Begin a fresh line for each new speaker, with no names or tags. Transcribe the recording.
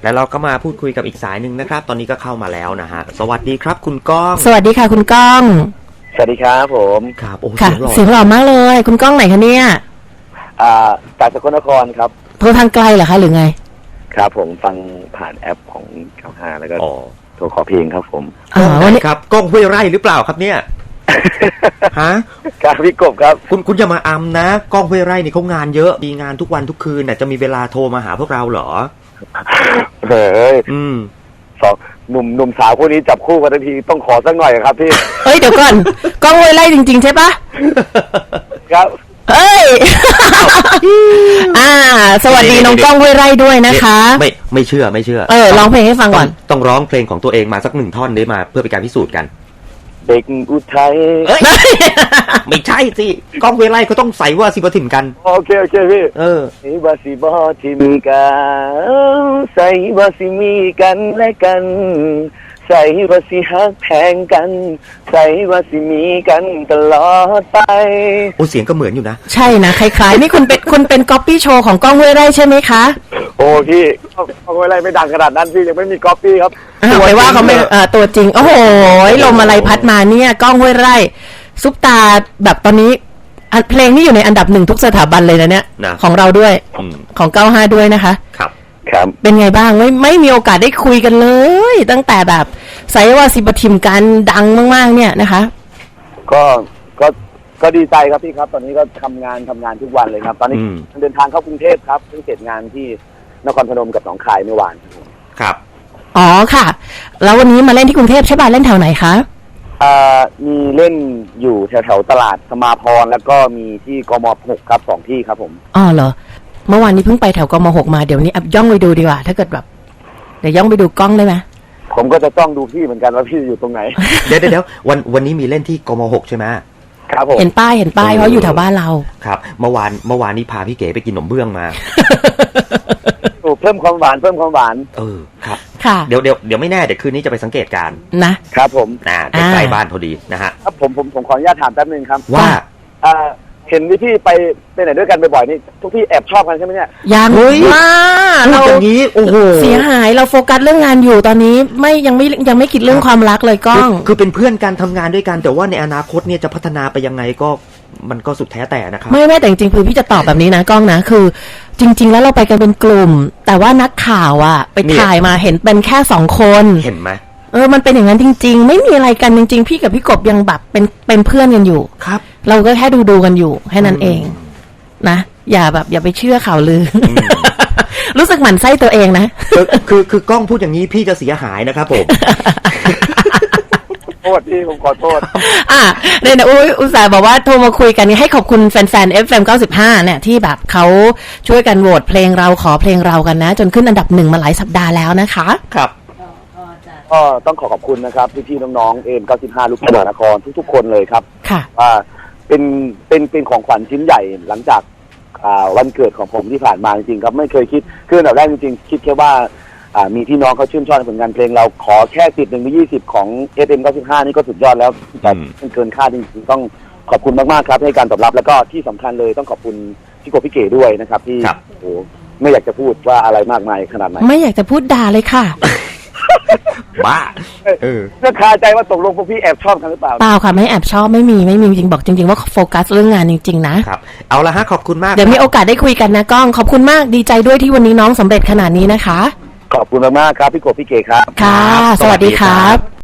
แล้วเราก็มาพูดคุยกับอีกสายหนึ่งนะครับตอนนี้ก็เข้ามาแล้วนะฮะสวัสดีครับคุณก้อง
สวัสดีค่ะคุณก้อง
สวัสดีครับผม
ครับโอ้
เสียงหล่อมากเลยคุณก้องไหนคะเนี่ย
จากสกลนครครับ
โทรทางไกลเหรอคะหรือไง
ครับผมฟังผ่านแอปของ95แล้วก็โทรขอเพลงครับผม
วันนี้ครับก้องห้วยไร่หรือเปล่าครับเนี่ยฮะ
ครับพี่กบครับ
คุณอย่ามาอำนะก้องห้วยไร่นี่เขางานเยอะมีงานทุกวันทุกคืนน่ะจะมีเวลาโทรมาหาพวกเราเหรอ
เฮ้ยสองหนุ่มสาวคู่นี้จับคู่กันทันทีต้องขอสักหน่อยครับพี่
เฮ้ยเดี๋ยวก่อนก้องห้วยไร่จริงๆใช่ปะ
ครับ
เอ้ยสวัสดีน้องก้องห้วยไร่ด้วยนะคะ
ไม่เชื่อ
ร้องเพลงให้ฟังก่อน
ต้องร้องเพลงของตัวเองมาสัก1 ท่อนได้มาเพื่อเป็นการพิสูจน์กัน
เด็กอุทัย
ไม่ใช่สิก้องห้วยไร่เขาต้องใส่ว่าสิบถิ่มกัน
โอเคพี่สิบสิบถิ่มกันใส่ว่าสิมีกันและกันใส่ว่าสิฮักแพงกันใส่ว่าสิมีกันตลอดไป
โอ้เสียงก็เหมือนอยู่นะ
ใช่นะคล้ายๆนี่คุณเป็นก๊อปปี้โชว์ของก้องห้วยไร่ใช่ไหมคะ
โอ้พี่ก้องห้วยไร่ไม่ดังขนาดนั้นพี่ยังไม่มีก๊อปปี้ครับ
ไปว่าเขาไม่ตัวจริงโอ้โหลมอะไรพัดมาเนี่ยก้องห้วยไร่ซุปตาแบบตอนนี้เพลงนี้อยู่ในอันดับ1ทุกสถาบันเลยนะเนี่ยของเราด้วยของ95ด้วยนะคะ
ครับ
เป็นไงบ้างไม่มีโอกาสได้คุยกันเลยตั้งแต่แบบไซว่าสิบทิมกันดังมากๆเนี่ยนะคะ
ก็ดีใจครับพี่ครับตอนนี้ก็ทำงานทุกวันเลยครับตอนนี้เดินทางเข้ากรุงเทพครับเพิ่งเสร็จงานที่นครพนมกับหนองคายเมื่อวาน
ครับ
อ๋อค่ะแล้ววันนี้มาเล่นที่กรุงเทพใช่ป่ะเล่นแถวไหนคะ
มีเล่นอยู่แถวตลาดสมาพรแล้วก็มีที่กม6ครับ2ที่ครับผม
อ๋อเหรอเมื่อวานนี้เพิ่งไปแถวกม6มาเดี๋ยวนี้ย่องไปดูดีกว่าถ้าเกิดแบบเดี๋ยวย่องไปดูกล้องได้ไหม
ผมก็จะต้องดูพี่เหมือนกันว่าพี่อยู่ตรงไหน
เดี๋ยววันนี้มีเล่นที่กม6ใช่ไหม
ครับผม
เห็นป้ายเพราะอยู่แถวบ้านเรา
ครับเมื่อวานนี้พาพี่เก๋ไปกินขนมเบื้องมา
เพิ่มความหวาน
ครับ
ค่ะ
เดี๋ยวไม่แน่เดี๋ยวคืนนี้จะไปสังเกตการ
นะครับผม
ใกล้บ้านพอดีนะฮะ
ครับผมขออนุญาตถามแป๊บนึงครับ
ว่า
เห็นพี่ไปไหนด้วยกันบ่อยๆนี่ทุกพี่แอบชอบกันใช่ไหมเนี่ย
ยังมา
เราอย่างนี้โอ้โห
เสียหายเราโฟกัสเรื่องงานอยู่ตอนนี้ยังไม่คิดเรื่องความรักเลยก้อง
คือเป็นเพื่อนกันทำงานด้วยกันแต่ว่าในอนาคตเนี่ยจะพัฒนาไปยังไงก็มันก็สุดแท้แต่นะครับ
ไม่แต่จริงๆคือพี่จะตอบแบบนี้นะก้องนะคือจริงๆแล้วเราไปกันเป็นกลุ่มแต่ว่านักข่าวไปถ่ายมาเห็นเป็นแค่2 คน
เห็นไหม
มันเป็นอย่างนั้นจริงๆไม่มีอะไรกันจริงๆพี่กับพี่กบยังแบบเป็นเพื่อนกันอยู่
ครับ
เราก็แค่ดูกันอยู่แค่นั้นเองนะอย่าไปเชื่อข่าวลือ รู้สึกหมั่นไส้ตัวเองนะ
คือกล้องพูดอย่างนี้พี่จะเสียหายนะครับผม
โทษพี่ผมขอโทษ
เนี่ยนะอุตส่าห์บอกว่าโทรมาคุยกันให้ขอบคุณแฟนๆ FM 95เนี่ยที่แบบเขาช่วยกันโหวตเพลงเราขอเพลงเรากันนะจนขึ้นอันดับ1มาหลายสัปดาห์แล้วนะคะ
ครับ
ก็ต้องขอบคุณนะครับพี่ๆน้องๆ95ลูกหลานนครทุกๆคนเลยครับ
ค่ะ
เป็นของขวัญชิ้นใหญ่หลังจากวันเกิดของผมที่ผ่านมาจริงๆครับไม่เคยคิดคืออันดับแรกจริงๆคิดแค่ว่ามีพี่น้องเขาชื่นชอบในผลงานเพลงเราขอแค่10 1 ใน20ของ FM 95นี่ก็สุดยอดแล้วแต่เกินคาดจริงๆต้องขอบคุณมากๆครับให้การตอบรับแล้วก็ที่สำคัญเลยต้องขอบคุณพี่กบพี่เก๋ด้วยนะครับที่โอ้ไม่อยากจะพูดว่าอะไรมากมายขนาดไหน
ไม่อยากจะพูดด่าเลยค่ะ
บ้า
ก็คาใจว่าตกลงพวกพี่แอบชอบกันหรือเปล่า
เปล่าค่ะไม่แอบชอบไม่มีจริงบอกจริงๆว่าโฟกัสเรื่องงานจริงๆนะครับ
เอาละฮะขอบคุณมาก
เดี๋ยวมีโอกาสได้คุยกันนะก้องขอบคุณมากดีใจด้วยที่วันนี้น้องสำเร็จขนาดนี้นะคะ
ขอบคุณมากๆครับพี่กบพี่เก๋ครับ
ค่ะสวัสดีครับ